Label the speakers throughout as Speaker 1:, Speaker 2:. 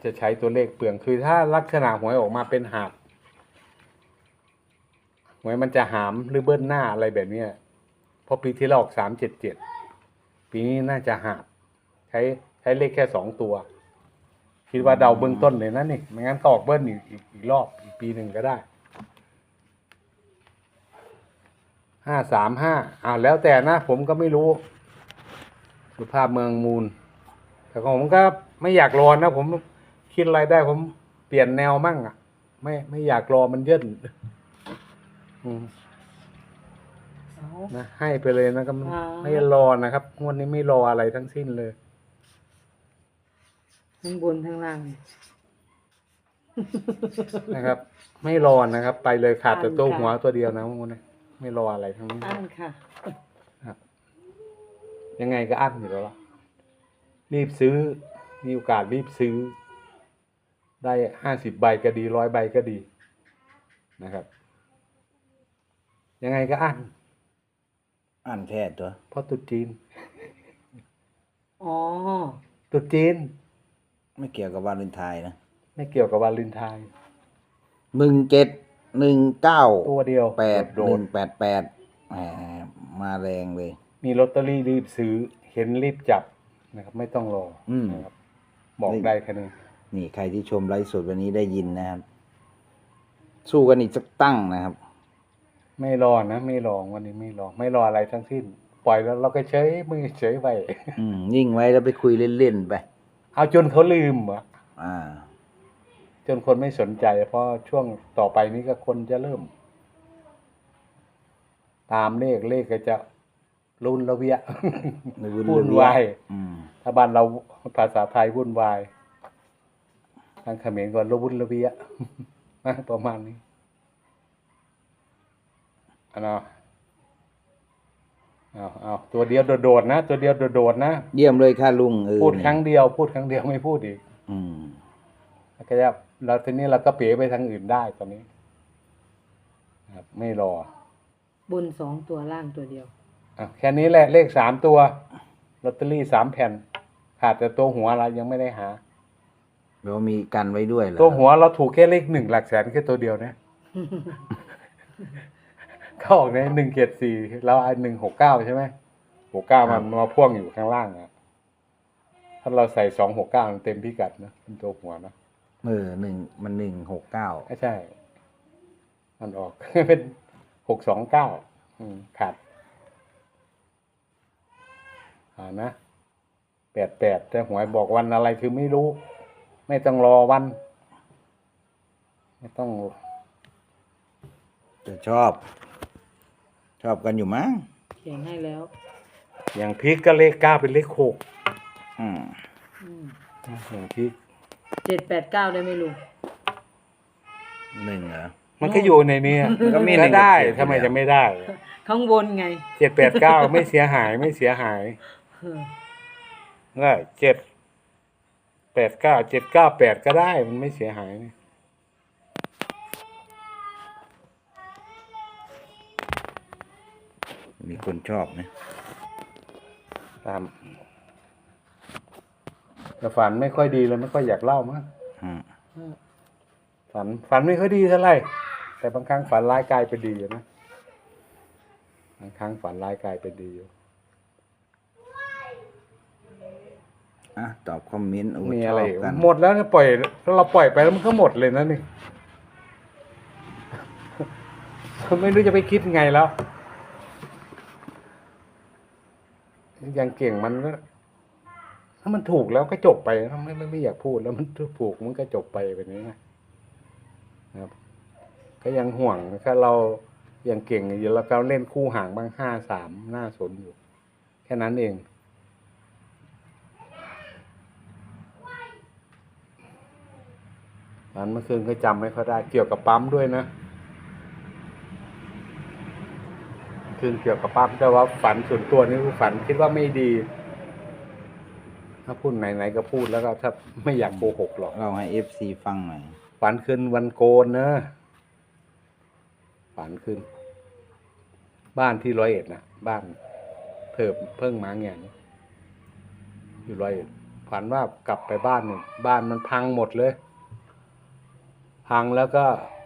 Speaker 1: จะใช้ตัวเลขเปลืองคือถ้าลักษณะหวยออกมาเป็นหาบหวยมันจะหามหรือเบิ้ลหน้าอะไรแบบเนี้ยเพราะปีที่เราออก377ปีนี้น่าจะหาบใช้เลขแค่2ตัวคิดว่าเดาเบื้องต้นเลยนะนี่ไม่งั้นก็ออกเบิ้ลอีกรอบอีกปีหนึ่งก็ได้535แล้วแต่นะผมก็ไม่รู้สุภาพเมืองมูลแต่ผมก็ไม่อยากรอนะผมคิดอะไรได้ผมเปลี่ยนแนวมั่งอ่ะไม่อยากรอมันเยิ่นนะให้ไปเลยนะก็ไม่รอนะครับงวดนี้ไม่รออะไรทั้งสิ้นเลย
Speaker 2: ทั้งบนทั้งล่าง
Speaker 1: นะครับ ไม่รอนะครับ ไปเลยขาดแต่ตัวหัวตัวเดียวนะงวดนี้ไม่รออะไรทั้งนี้
Speaker 2: อั้นค่ะ
Speaker 1: ครับยังไงก็อั้นอยู่แล้วล่ะรีบซื้อมีโอกาสรีบซื้อได้50 ใบก็ดี100 ใบก็ดีนะครับยังไงก็
Speaker 3: อันแท้ตัว
Speaker 1: เพราะตุ๊จีน
Speaker 2: อ๋อ
Speaker 1: ตุ๊จีน
Speaker 3: ไม่เกี่ยวกับวาเลนไทน์นะ
Speaker 1: ไม่เกี่ยวกับวาเลนไทน์
Speaker 3: 1719
Speaker 1: ตัวเดียว
Speaker 3: 8188มาแรงเลย
Speaker 1: มีลอตเตอรี่รีบซื้อเห็นรีบจับนะครับไม่ต้องรอนะครับบอกได้แค่นี้
Speaker 3: นี่ใครที่ชมไลฟ์สดวันนี้ได้ยินนะครับสู้กันอีกสักตั้งนะครับ
Speaker 1: ไม่รอนะไม่รอวันนี้ไม่รออะไรทั้งสิ้นปล่อยแล้วเราก็เฉยมือเฉยไป
Speaker 3: นิ่งไว้แล้วไปคุยเล่นๆไป
Speaker 1: เอาจนเขาลืมอ่ะ
Speaker 3: า
Speaker 1: จนคนไม่สนใจเพราะช่วงต่อไปนี้ก็คนจะเริ่มตามเลขก็จะรุนระเวียวุ่นวายถ้าบ้านเราภาษาไทยวุ่นวายทางเขมรก็วุ่นระเวียประมาณนี้เอาตัวเดียวโดดๆนะตัวเดียวโดดๆนะ
Speaker 3: เยี่ยมเลยค่ะลุง
Speaker 1: พูดครั้งเดียวไม่พูดอีกแล้วก็จะเราทีนี้เราก็เป๋ไปทางอื่นได้ตอนนี้ครับไม่ร
Speaker 2: อบน2ตัวล่างตัวเดียว
Speaker 1: แค่นี้แหละเลข3ตัวลอตเตอรี่3 แผ่นขาดแต่ตัวหัวเรายังไม่ได้หา
Speaker 3: เรามีกันไว้ด้วยเหรอ
Speaker 1: ตัวหัวเราถูกแค่เลข1หลักแสนแค่ตัวเดียวนะเข้าออกใน174แล้ว169ใช่ไหม69มันมาพ่วงอยู่ข้างล่างอ่ะถ้าเราใส่269มันเต็มพิกัดนะเป็นตัวหัวนะ
Speaker 3: มัน169
Speaker 1: ใช่มันออกเป็น629ขาดนะ88แต่หวยบอกวันอะไรคือไม่รู้ไม่ต้องรอวันไม่ต้อง
Speaker 3: จะชอบกันอยู่มั้ง
Speaker 2: เขียนให้แล้ว
Speaker 1: อย่างพริกก็เลข9เป็นเลข6อย่างพริก
Speaker 2: 789ได้ไหมลุง
Speaker 3: 1เหรอ
Speaker 1: มันก็อยู่ในนี้
Speaker 3: ก็มี
Speaker 1: ได้ทำไมจะไม่ได้
Speaker 2: ข้างบนไง
Speaker 1: 789ไม่เสียหายได้789 798ก็ได้มันไม่เสียหายนี่
Speaker 3: มีคนชอบนะ
Speaker 1: ตามแต่ฝันไม่ค่อยดีเลยไม่ค่อยอยากเล่ามั้งฝันไม่ค่อยดีเท่าไหร่แต่บางครั้งฝันร้ายกลายเป็นดีอยู่นะบางครั้งฝันร้ายกลายเป็นดีอยู่
Speaker 3: ตอบคอมเมนต์
Speaker 1: มีอะไรหมดแล้วนะปล่อยเราปล่อยไปแล้วมันก็หมดเลยนะนี่ไม่รู้จะไปคิดไงแล้วอย่างเก่งมันก็ถ้ามันถูกแล้วก็จบไปไม่อยากพูดแล้วมันถูกมันก็จบไปแบบนี้นะครับก็ยังห่วงถ้าเราอย่างเก่งอยู่แล้วเราเล่นคู่ห่างบ้าง5-3น่าสนอยู่แค่นั้นเองอันเมื่อคืนก็จำไม่ค่อยได้เกี่ยวกับปั๊มด้วยนะคืนเกี่ยวกับปั๊มแต่ว่าฝันส่วนตัวนี่ฝันคิดว่าไม่ดีถ้าพูดไหนๆก็พูดแล้วก็ถ้าไม่อยากโกหกหรอก
Speaker 3: เราให้ FC ฟังหน่อย
Speaker 1: ฝันคืนวันโกนนะฝันคืนบ้านที่101นะบ้านเพิ่งมาเงี้ยอยู่101พฝันว่ากลับไปบ้านเนี่ยบ้านมันพังหมดเลย พังแล้วก็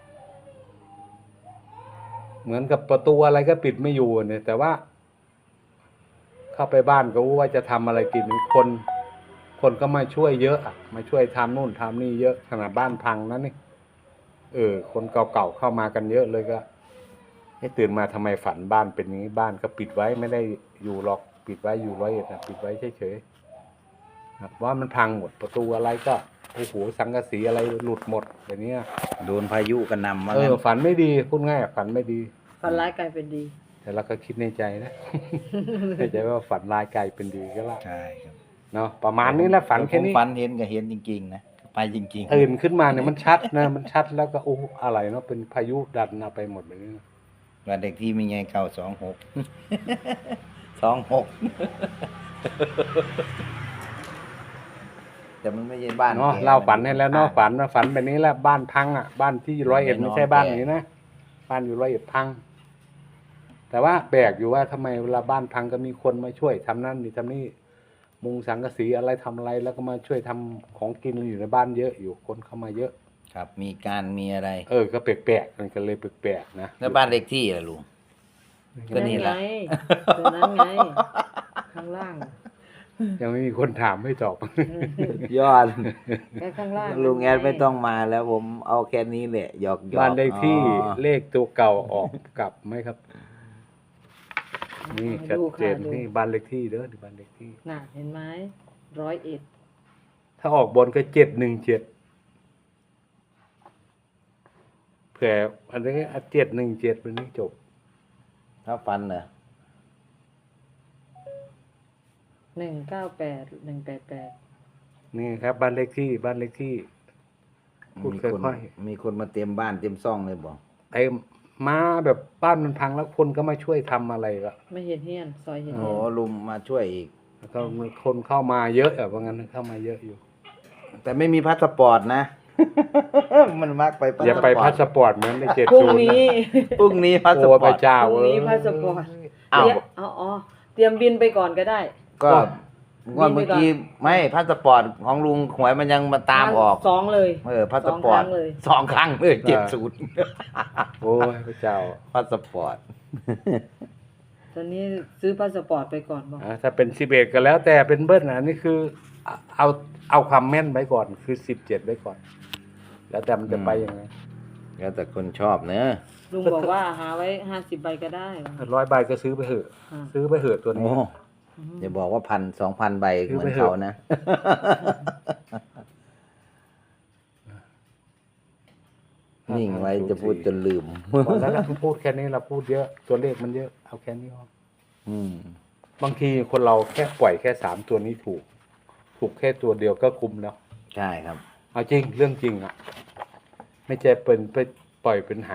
Speaker 1: เหมือนกับประตูอะไรก็ปิดไม่อยู่เนี่ย แต่ว่า เข้าไปบ้านก็ว่าจะทำอะไรกินคนก็มาช่วยเยอะอะมาช่วยทำนู่นทำนี่เยอะขนาดบ้านพังนั่นนี่คนเก่าๆเข้ามากันเยอะเลยก็ให้ตื่นมาทำไมฝันบ้านเป็นอย่างนี้บ้านก็ปิดไว้ไม่ได้อยู่หรอกปิดไว้อยู่100 นะปิดไว้เฉยๆครับว่ามันพังหมดประตูอะไรก็โอ้โหสังกะสีอะไรหลุดหมดแบบนี้
Speaker 3: โดนพายุกระหน่ำมาแล้ว
Speaker 1: ฝันไม่ดีพูดง่ายฝันไม่ดี
Speaker 2: ฝันร้ายกลายเป็นดี
Speaker 1: แต่เราก็คิดในใจนะ ในใจว่าฝันร้ายกลายเป็นดีก็ละ
Speaker 3: ใช่ครับ
Speaker 1: เนาะประมาณนี้แหละฝันแค่นี้
Speaker 3: ผมฝันเห็นก็เห็นจริงๆนะไปจริงๆ
Speaker 1: ตื่นขึ้นมาเนี่ยมันชัดนะ มันชัดแล้วก็โอ้อะไรเนาะเป็นพายุดันเอาไปหมดเลย
Speaker 3: วันเด็กที่มีไงเก่า26 26แต่มันไม่ใช่บ้าน
Speaker 1: เนาะ
Speaker 3: แก
Speaker 1: เล่าฝันให้แล้วเนาะ
Speaker 3: อ่
Speaker 1: ฝันแบบนี้แหละบ้านพังอ่ะบ้านที่101ไม่ใช่บ้าน
Speaker 3: แก
Speaker 1: นี้นะบ้านอยู่101พัง แต่ว่าแปลกอยู่ว่าทำไมเวลาบ้านพังก็มีคนมาช่วยทำนั่นนี่ทำนี่มุงสังกะสีอะไรทำอะไรแล้วก็มาช่วยทำของกินอยู่ในบ้านเยอะอยู่คนเข้ามาเยอะ
Speaker 3: ครับมีการมีอะไร
Speaker 1: ก็แปลกๆมันก็เลยแปลกๆนะ
Speaker 3: แล้วบ้านเลขที่ล่ะลุง ก็นี่แหละ
Speaker 2: ไงตัวนั้นไง ข้างล่าง
Speaker 1: ยังไม่มีคนถามไม่ตอบ
Speaker 3: ยอด
Speaker 2: แค่ข้างล่าง
Speaker 3: ลุงแอดไม่ต้องมาแล้วผมเอาแค่นี้แหละหยอกๆ
Speaker 1: บ้านเลขที่
Speaker 3: อ๋อ
Speaker 1: เลขตัวเก่าออกกลับไหมครับ นี่ชัด
Speaker 2: ดู
Speaker 1: เจ
Speaker 2: ค่ะ
Speaker 1: น
Speaker 2: ดู
Speaker 1: นี่บ้านเลขที่เด้อนี่บ้านเลขที่
Speaker 2: น่ะเห็นไหม101
Speaker 1: ถ้าออกบนก็717เผื่ออันนี้717วันนี้จบ
Speaker 3: ถ้าฟันเหรอ
Speaker 2: 198
Speaker 1: นี่ครับ บ้านเลขที่บ้านเลขที่ พูด
Speaker 3: มี
Speaker 1: ค่
Speaker 3: คน
Speaker 1: อย
Speaker 3: มีคนมาเต็มบ้านเต็มซ่องเลยบอก
Speaker 1: ไอ้มาแบบบ้านมันพังแล้วคนก็มาช่วยทำอะไรก็
Speaker 2: ไม่เห็นเฮียนซอยเห็น
Speaker 3: โอ้
Speaker 2: เฮียน
Speaker 3: ลุงมาช่วยอีก
Speaker 1: แล้วก็มีคนเข้ามาเยอะอะว่างั้นเข้ามาเยอะอยู่
Speaker 3: แต่ไม่มีพาสปอร์ตนะ มันมักไป
Speaker 1: อย่าไปพาสปอร์ตเหมือนใน70
Speaker 2: พรุ่งนี้
Speaker 3: พรุ่งนี้พาส
Speaker 1: โอ้
Speaker 3: ปอ
Speaker 1: พ
Speaker 3: ร์
Speaker 1: ระ
Speaker 3: ต
Speaker 1: เจ้า
Speaker 2: พรุ่งนี้พาสปอร์ต
Speaker 3: อ้าว
Speaker 2: อ๋อเตรียมบินไปก่อนก็ได้
Speaker 3: ก็งวดเมื่อกี้ไม่พาสปอร์ตของลุงหวยมันยังมาตามออก
Speaker 2: สองเลย
Speaker 3: พาสปอร์ต
Speaker 2: สองครั้งเลย
Speaker 3: 2 ครั้งเลย70
Speaker 1: โอ้ยพระเจ้า
Speaker 3: พาสปอร์ต
Speaker 2: ตอนนี้ซื้อพาสปอร์ตไปก่อนบอก
Speaker 1: ถ้าเป็น11ก็แล้วแต่เป็นเบิ้ลนะนี่คือเอาความแม่นไว้ก่อนคือ17ไว้ก่อน แล้วแต่มันจะไปยังไง
Speaker 3: แล้วแต่คนชอบเนอะ
Speaker 2: ลุงบอกว่าหาไว้50 ใบก็ได้
Speaker 1: 100 ใบก็ซื้อไปเถอะ
Speaker 2: อ่า
Speaker 1: ซื้อไปเถอะตัว
Speaker 3: โอ้
Speaker 1: นี้
Speaker 3: อย่าบอกว่า1,000-2,000 ใบ
Speaker 1: ซื้อ
Speaker 3: เหมื
Speaker 1: ไป
Speaker 3: อน
Speaker 1: เถอะ
Speaker 3: เขานะ นิ่งไว้จะพูดจนลืม
Speaker 1: พอแล้วเราพูดแค่นี้เราพูดเยอะตัวเลขมันเยอะเอาแค่นี้พอ
Speaker 3: อืม
Speaker 1: บางทีคนเราแค่ปล่อยแค่3ตัวนี้ถูกแค่ตัวเดียวก็คุ้มแล้ว
Speaker 3: ใช่ครับ
Speaker 1: เอาจริงเรื่องจริงอ่ะ ไม่ใช่เป็นไปปล่อยเป็นหา